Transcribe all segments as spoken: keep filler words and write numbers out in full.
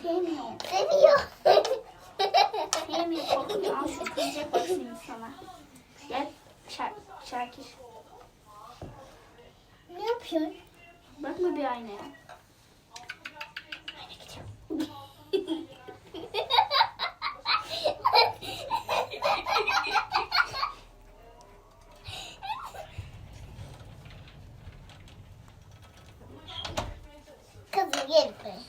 Sevmiyor. Seviyor. Sevmiyor. Korkuyor. Al şu kızacak bak şimdi sana. Gel Şa Şakir. Ne yapıyorsun? Bakma bir aynaya. Kızım gel buraya.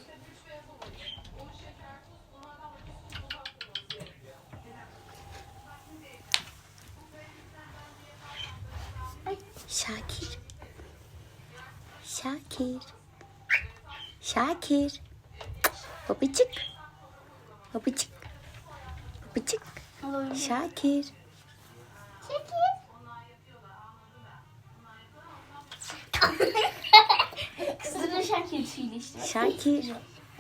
Şakir. Şakir. Şakir. Babacık. Babacık. Babacık. Al oyunu. Şakir. Çekil. Kızdırın Şakir tüyüyle işte. Şakir.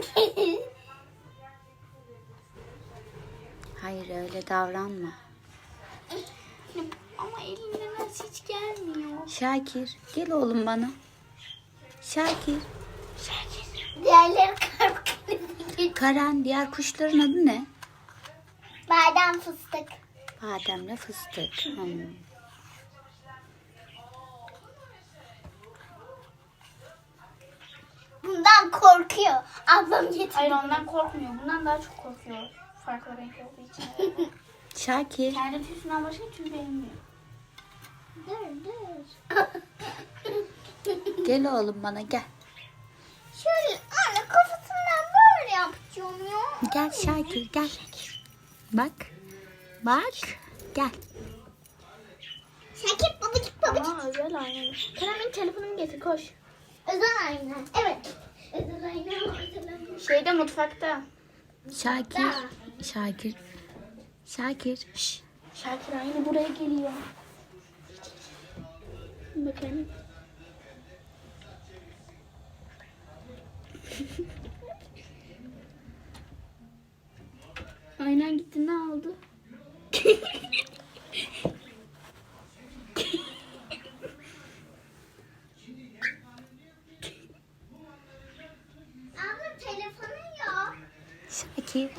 Hayır öyle davranma. Ama elinden nasıl hiç gelmiyor. Şakir. Gel oğlum bana. Şakir. Diğerleri korkuyor. Karan, diğer kuşların adı ne? Badem fıstık. Bademle fıstık. Hmm. Bundan korkuyor. Ablam getirdi. Hayır ondan korkmuyor. Bundan daha çok korkuyor. Farklı renk olduğu için. Şakir. Kendi tüyüsünden başka tüy beğenmiyor. Dur dur. Gel oğlum bana gel. Şöyle anne kafasından böyle yapacağım ya. Gel Şakir gel. Bak. Bak. Gel. Şakir babacık babacık. Ama özel ayna. Kerem'in telefonunu getir koş. Özel ayna. Evet. Özel ayna. Özel ayna. Şeyde mutfakta. Şakir. Şakir. Şakir. Şş. Şakir aynı buraya geliyor. Bakayım. Aynen gitti ne oldu? Abla telefonu yok. Şakir.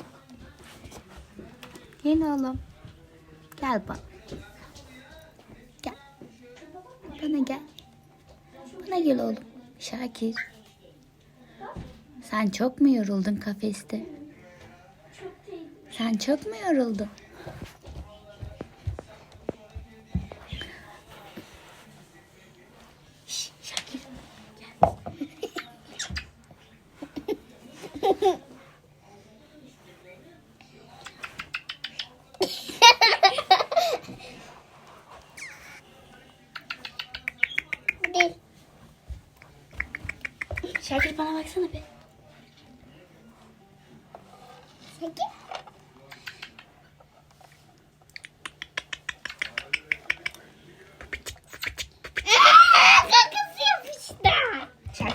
Gel oğlum. Gel bak. Gel. Bana gel. Bana gel oğlum. Şakir. Sen çok mu yoruldun kafeste? Sen çok mu yoruldun? Şş, Şakir. Bu değil. Şakir bana baksana be. Şakir.